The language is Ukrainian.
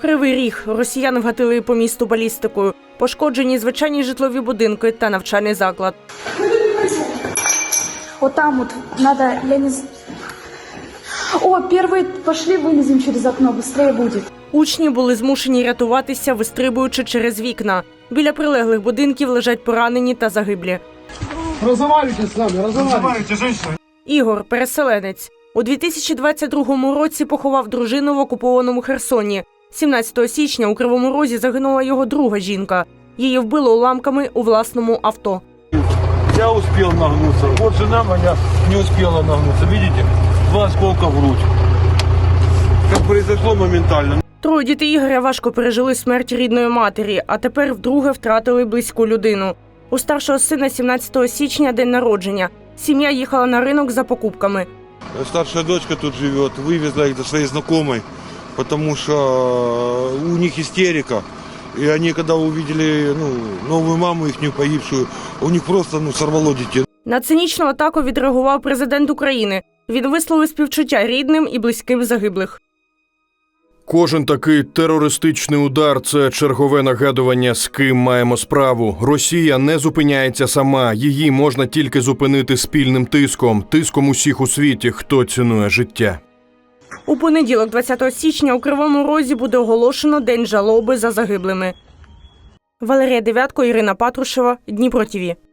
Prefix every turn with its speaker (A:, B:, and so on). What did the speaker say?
A: Кривий Ріг. Росіяни вгатили по місту балістикою. Пошкоджені звичайні житлові будинки та навчальний заклад.
B: Вот там вот надо, я не знаю. О, первые пошли, вылезем через окно, быстрее будет.
A: Учні були змушені рятуватися, вистрибуючи через вікна. Біля прилеглих будинків лежать поранені та загиблі.
C: Разговаривайте с нами, разговаривайте,
D: женщина.
A: Ігор – переселенець. У 2022 році поховав дружину в окупованому Херсоні. 17 січня у Кривому Розі загинула його друга жінка. Її вбило уламками у власному авто.
D: Я успел нагнуться. Вот жена моя не успела нагнуться. Видите? 2 осколка в грудь. Как произошло моментально.
A: Троє дітей Ігоря важко пережили смерть рідної матері, а тепер вдруге втратили близьку людину. У старшого сина 17 січня день народження. Сім'я їхала на ринок за покупками.
D: Старшая дочка тут живет. Вывезла их до своей знакомой, потому что у них истерика. И они, когда увидели новую маму, их погибшую, у них просто сорвало детей.
A: На цинічну атаку відреагував президент України. Він висловив співчуття рідним і близьким загиблих.
E: Кожен такий терористичний удар – це чергове нагадування, з ким маємо справу. Росія не зупиняється сама. Її можна тільки зупинити спільним тиском усіх у світі, хто цінує життя.
A: У понеділок, 20 січня, у Кривому Розі буде оголошено День жалоби за загиблими. Валерія Дев'ятко, Ірина Патрушева, Дніпро ТВ.